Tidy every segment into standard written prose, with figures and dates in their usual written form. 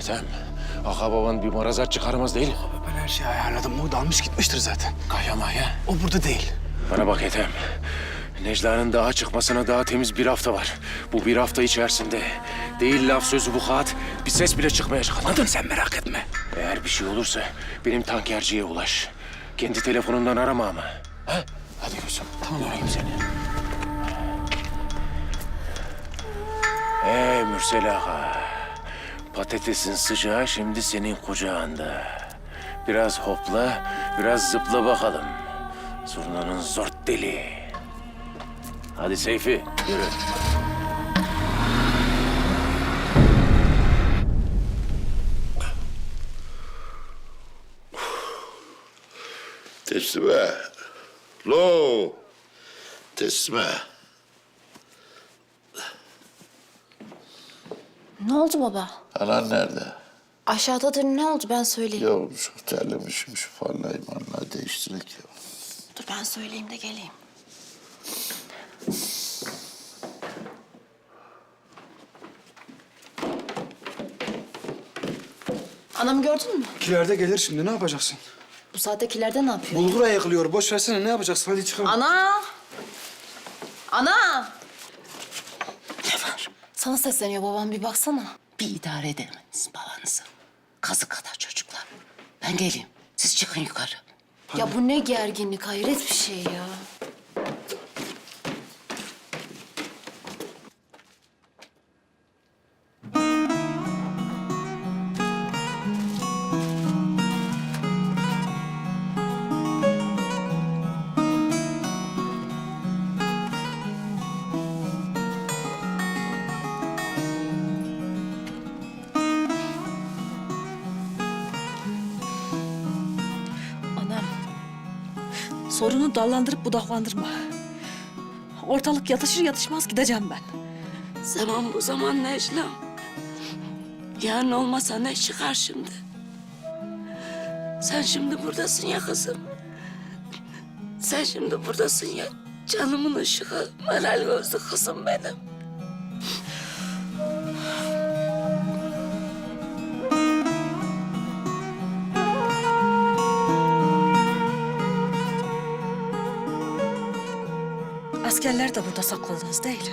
Ethem. Aka baban bir marazat çıkarmaz değil. Abi ben her şeyi ayarladım. O dalmış gitmiştir zaten. Kaya maya. O burada değil. Bana bak Ethem. Necla'nın dağa çıkmasına daha temiz bir hafta var. Bu bir hafta içerisinde değil laf sözü bu kağıt bir ses bile çıkmayacak. Anladın? Sen merak etme. Eğer bir şey olursa benim tankerciye ulaş. Kendi telefonundan arama ama. Ha? Hadi gözüm. Tamam. Göreyim seni. Mürsel Ağa. Patatesin sıcağı şimdi senin kucağında. Biraz hopla, biraz zıpla bakalım. Zurnanın zort deli. Hadi Seyfi, yürü. Teslime. Lo. Teslime. Ne oldu baba? Anan nerede? Aşağıdadır, ne oldu ben söyleyeyim. Ya çok terlemişim şu parlayı manlayı değiştirek ya. Dur ben söyleyeyim de geleyim. Anamı gördün mü? Kilerde gelir şimdi. Ne yapacaksın? Bu saattekilerde ne yapıyor? Bulgura yıkılıyor. Boş versene. Ne yapacaksın? Hadi çıkalım. Ana! Ana! Ne var? Sana sesleniyor babam, bir baksana. Bir idare edemediniz babanızı. Kazı kadar çocuklar. Ben geleyim. Siz çıkın yukarı. Ya bu ne gerginlik, hayret bir şey ya. Anam, sorunu dallandırıp budaklandırma. Ortalık yatışır yatışmaz gideceğim ben. Zaman bu zaman Necla. Yarın olmasa ne çıkar şimdi? Sen şimdi buradasın ya kızım. Sen şimdi buradasın ya. Canımın ışığı, meral gözlü kızım benim. Askerler de burada sakladınız değil.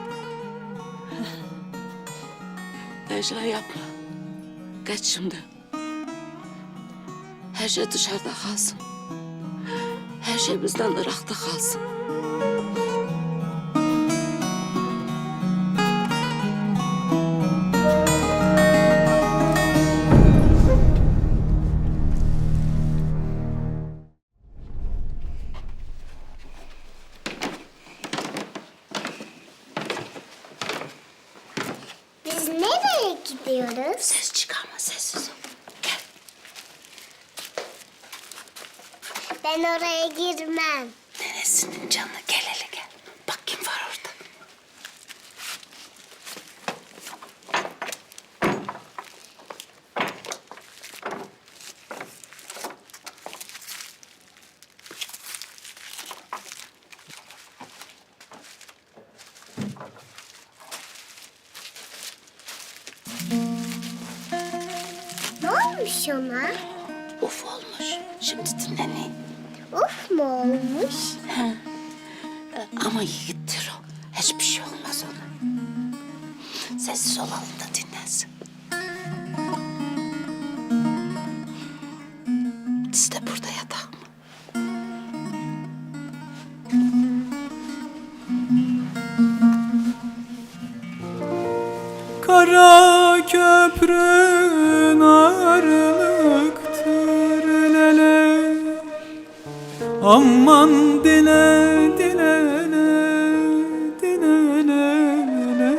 Necla yapma. Geç şimdi. Her şey dışarıda kalsın. Her şey bizden Irak'ta kalsın. Biz nereye gidiyoruz? Ses çıkarma, sessiz ol. Gel. Ben oraya girmem. Nenesinin canı, gel hele gel. Bak kim var orada. Ne olmuş ona? Uf olmuş. Şimdi dinleneyim. Uf mu olmuş? Ama yiğittir o. Hiçbir şey olmaz ona. Sessiz olalım da dinlensin. Siz de burada yatak mı? Kara köprün ağırlıktır lele. Aman dile dile dile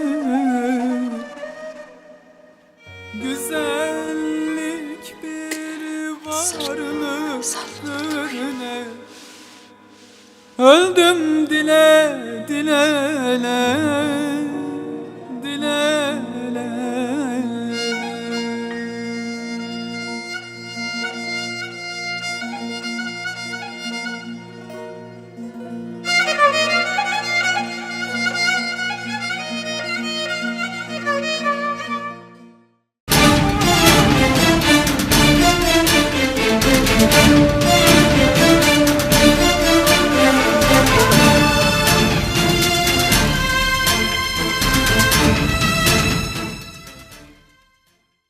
güzellik bir varlıktır ne. Öldüm dile dile